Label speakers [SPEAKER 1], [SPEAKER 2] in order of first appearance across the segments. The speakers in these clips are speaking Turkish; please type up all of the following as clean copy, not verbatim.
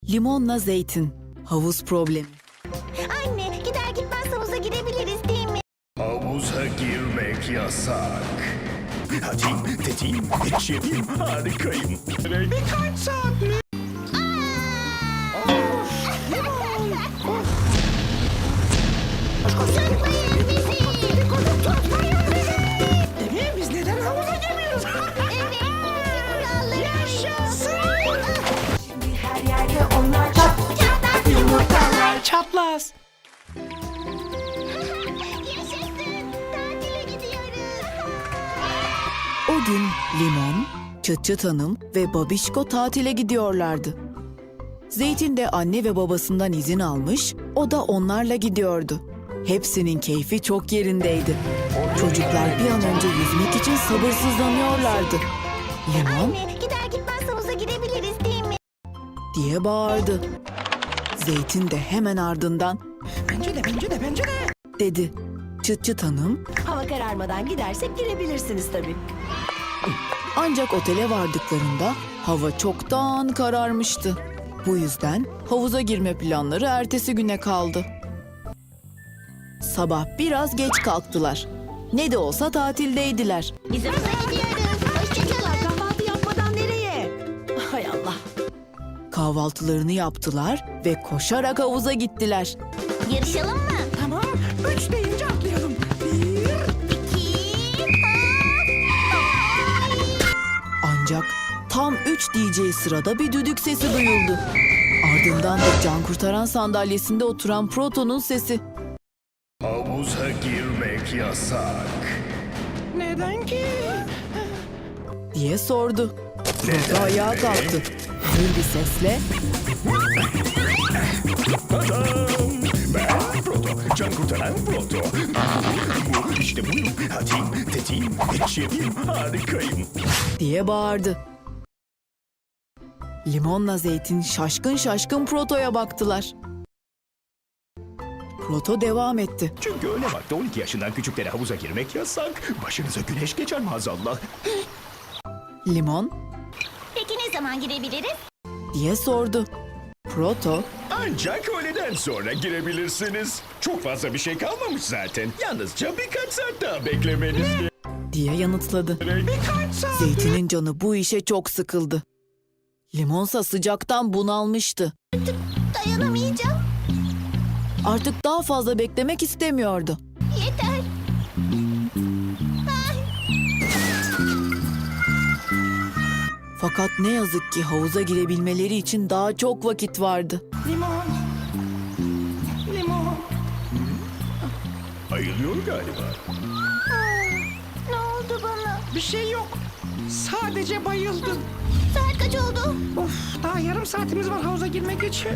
[SPEAKER 1] Limonla zeytin. Havuz problemi.
[SPEAKER 2] Anne, gider gitmez havuza girebiliriz değil mi?
[SPEAKER 3] Havuza girmek yasak. Hadi dediğim, şefim harikayım. Birkaç saat mi?
[SPEAKER 2] Tutmayın bizi! Tutmayın bizi!
[SPEAKER 4] Demek biz neden havuza girmiyoruz?
[SPEAKER 2] Evet, kuralları
[SPEAKER 4] Yaşasın!
[SPEAKER 2] her yerde onlar çatlak yumurtalar.
[SPEAKER 4] Çapraz.
[SPEAKER 2] Yaşasın! Tatile gidiyoruz.
[SPEAKER 1] O gün Limon, Çıt Çıt Hanım ve Babişko tatile gidiyorlardı. Zeytin de anne ve babasından izin almış, o da onlarla gidiyordu. Hepsinin keyfi çok yerindeydi. Çocuklar bir an önce yüzmek için sabırsızlanıyorlardı. Limon
[SPEAKER 2] Anne, gider gitmez havuza girebiliriz değil mi?
[SPEAKER 1] diye bağırdı. Zeytin de hemen ardından
[SPEAKER 4] Bence de.
[SPEAKER 1] dedi. Çıt Çıt Hanım
[SPEAKER 5] Hava kararmadan gidersek girebilirsiniz tabii.
[SPEAKER 1] ancak otele vardıklarında hava çoktan kararmıştı. Bu yüzden havuza girme planları ertesi güne kaldı. Sabah biraz geç kalktılar. Ne de olsa tatildeydiler.
[SPEAKER 2] Biz havuza gidiyoruz. Hoşçakalın.
[SPEAKER 5] Kahvaltı yapmadan nereye? Hay Allah.
[SPEAKER 1] Kahvaltılarını yaptılar ve koşarak havuza gittiler.
[SPEAKER 2] Yarışalım mı?
[SPEAKER 4] Tamam. 3 deyince atlayalım. 1.
[SPEAKER 1] Ancak tam 3 diyeceği sırada bir düdük sesi duyuldu. Ardından da can kurtaran sandalyesinde oturan Proto'nun sesi.
[SPEAKER 3] Havuza girmek yasak.
[SPEAKER 4] Neden ki?
[SPEAKER 1] Diye sordu. Proto ayağa kalktı. Gür bir sesle
[SPEAKER 3] Ben Proto, can kurtaran Proto. İşte buyurun, hadi dediğim, şefim harikayım.
[SPEAKER 1] diye bağırdı. Limonla zeytin şaşkın şaşkın Proto'ya baktılar. Proto devam etti.
[SPEAKER 3] Çünkü öyle vakti 12 yaşından küçüklere havuza girmek yasak. Başınıza güneş geçer maazallah.
[SPEAKER 1] Limon
[SPEAKER 2] Peki ne zaman girebiliriz?
[SPEAKER 1] diye sordu. Proto
[SPEAKER 3] Ancak öğleden sonra girebilirsiniz. Çok fazla bir şey kalmamış zaten. Yalnızca birkaç saat daha beklemeniz
[SPEAKER 1] diye yanıtladı.
[SPEAKER 3] gerek.
[SPEAKER 1] Zeytinin canı bu işe çok sıkıldı. Limonsa sıcaktan bunalmıştı.
[SPEAKER 2] Dayanamayacağım.
[SPEAKER 1] Artık daha fazla beklemek istemiyordu.
[SPEAKER 2] Yeter.
[SPEAKER 1] Fakat ne yazık ki havuza girebilmeleri için daha çok vakit vardı.
[SPEAKER 4] Limon.
[SPEAKER 3] Ayılıyor galiba.
[SPEAKER 2] Ne oldu bana?
[SPEAKER 4] Bir şey yok. Sadece bayıldım.
[SPEAKER 2] Saat kaç oldu?
[SPEAKER 4] Of, daha yarım saatimiz var havuza girmek için.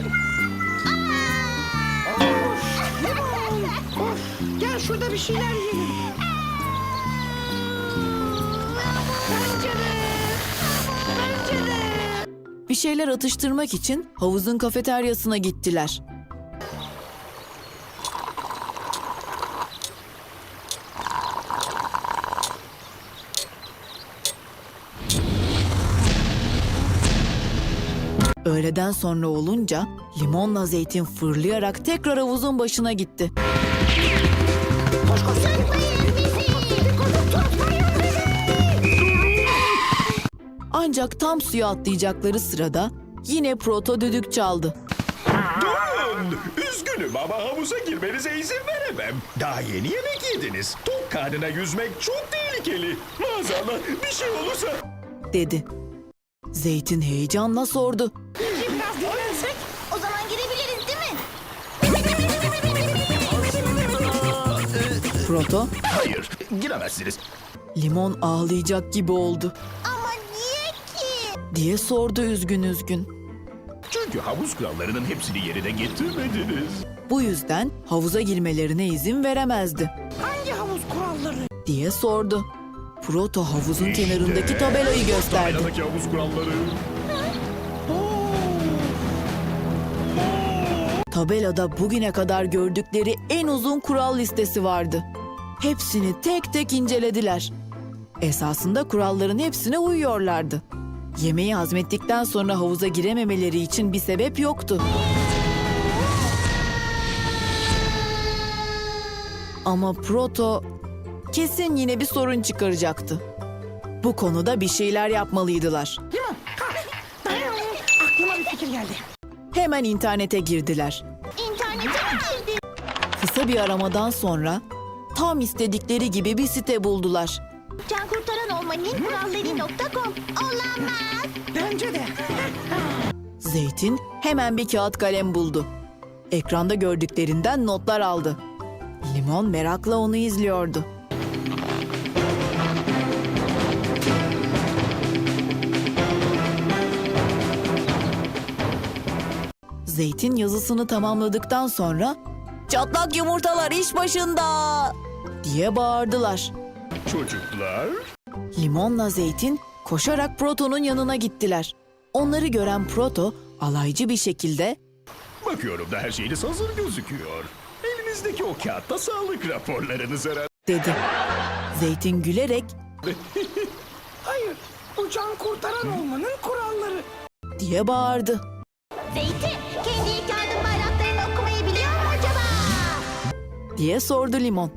[SPEAKER 4] Limon. Of, gel şurada bir şeyler yiyelim.
[SPEAKER 1] Bir şeyler atıştırmak için havuzun kafeteryasına gittiler. Öğleden sonra olunca limonla zeytin fırlayarak tekrar havuzun başına gitti.
[SPEAKER 2] Tutmayın bizi! Tutmayın bizi!
[SPEAKER 1] Ancak tam suya atlayacakları sırada yine Proto düdük çaldı.
[SPEAKER 3] Durun! Üzgünüm ama havuza girmenize izin veremem. Daha yeni yemek yediniz. Tok karnına yüzmek çok tehlikeli. Maazallah bir şey olursa...
[SPEAKER 1] dedi. Zeytin heyecanla sordu.
[SPEAKER 4] Biraz dinlensek.
[SPEAKER 2] O zaman girebiliriz değil mi?
[SPEAKER 1] Proto,
[SPEAKER 3] Hayır, giremezsiniz.
[SPEAKER 1] limon ağlayacak gibi oldu
[SPEAKER 2] Ama niye ki?
[SPEAKER 1] diye sordu üzgün üzgün.
[SPEAKER 3] Çünkü havuz kurallarının hepsini yerine getirmediniz.
[SPEAKER 1] Bu yüzden havuza girmelerine izin veremezdi
[SPEAKER 4] Hangi havuz kuralları?
[SPEAKER 1] diye sordu. Proto havuzun kenarındaki tabelayı gösterdi.
[SPEAKER 3] Tabeladaki havuz kuralları.
[SPEAKER 1] Tabelada bugüne kadar gördükleri en uzun kural listesi vardı. Hepsini tek tek incelediler. Esasında kuralların hepsine uyuyorlardı. Yemeği hazmettikten sonra havuza girememeleri için bir sebep yoktu. Ama Proto kesin yine bir sorun çıkaracaktı. Bu konuda bir şeyler yapmalıydılar.
[SPEAKER 4] Limon, kalk. Dayan. Aklıma bir fikir geldi.
[SPEAKER 1] Hemen internete girdiler.
[SPEAKER 2] İnternete mi girdin?
[SPEAKER 1] Kısa bir aramadan sonra tam istedikleri gibi bir site buldular.
[SPEAKER 2] Cankurtaranolmanın.com. Olamaz.
[SPEAKER 4] Bence de.
[SPEAKER 1] Zeytin hemen bir kağıt kalem buldu. Ekranda gördüklerinden notlar aldı. Limon merakla onu izliyordu. Zeytin yazısını tamamladıktan sonra "Çatlak yumurtalar iş başında!" diye bağırdılar.
[SPEAKER 3] Çocuklar,
[SPEAKER 1] Limonla Zeytin koşarak Proto'nun yanına gittiler. Onları gören Proto alaycı bir şekilde
[SPEAKER 3] bakıyorum da her şeyiniz hazır gözüküyor. Elinizdeki o kağıtta sağlık raporlarınız herhalde.
[SPEAKER 1] dedi. Zeytin gülerek
[SPEAKER 4] Hayır, bu can kurtaran olmanın kuralları.
[SPEAKER 1] diye bağırdı.
[SPEAKER 2] Zeytin, kendi ilk yardım bayraklarını okumayı biliyor mu acaba?
[SPEAKER 1] diye sordu Limon.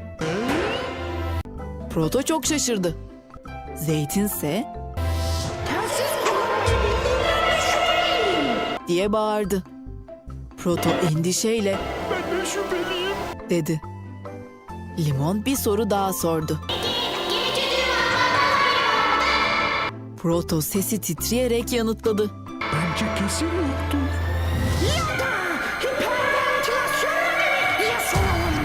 [SPEAKER 1] Proto çok şaşırdı. Zeytinse
[SPEAKER 4] Telsiz kullanmayı bildiğinden şüpheliyim.
[SPEAKER 1] diye bağırdı. Proto endişeyle
[SPEAKER 3] Ben de şüpheliyim.
[SPEAKER 1] dedi. Limon bir soru daha sordu. Proto sesi titreyerek yanıtladı.
[SPEAKER 3] Bence kesin yoktur.
[SPEAKER 4] Ya da hiperventilasyon mu? Ya soralım.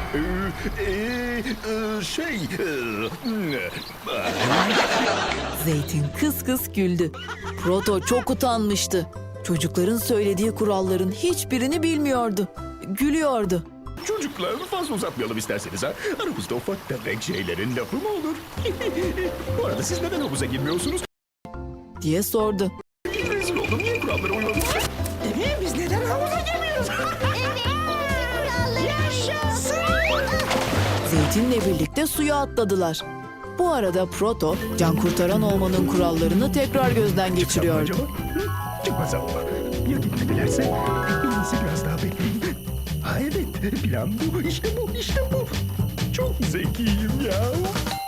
[SPEAKER 1] Zeytin kıs kıs güldü. Proto çok utanmıştı. Çocukların söylediği kuralların hiçbirini bilmiyordu. Gülüyordu.
[SPEAKER 3] Çocuklar, fazla uzatmayalım isterseniz ha. Aramızda ufak tefek şeylerin lafı mı olur? Bu arada siz neden havuza girmiyorsunuz?
[SPEAKER 1] diye sordu.
[SPEAKER 3] Rezil oldum, niye kurallara uymadınız?
[SPEAKER 4] Değil mi? Biz neden havuza girmiyoruz?
[SPEAKER 2] Evet, kuralları yaşasın.
[SPEAKER 1] Zeytinle birlikte suya atladılar. Bu arada Proto, can kurtaran olmanın kurallarını tekrar gözden geçiriyordu.
[SPEAKER 3] Acaba? Çıkmaz ama. Ya gitmedilerse? En iyisi biraz daha bekleyin. Ha evet, plan bu. İşte bu, işte bu. Çok zekiyim ya.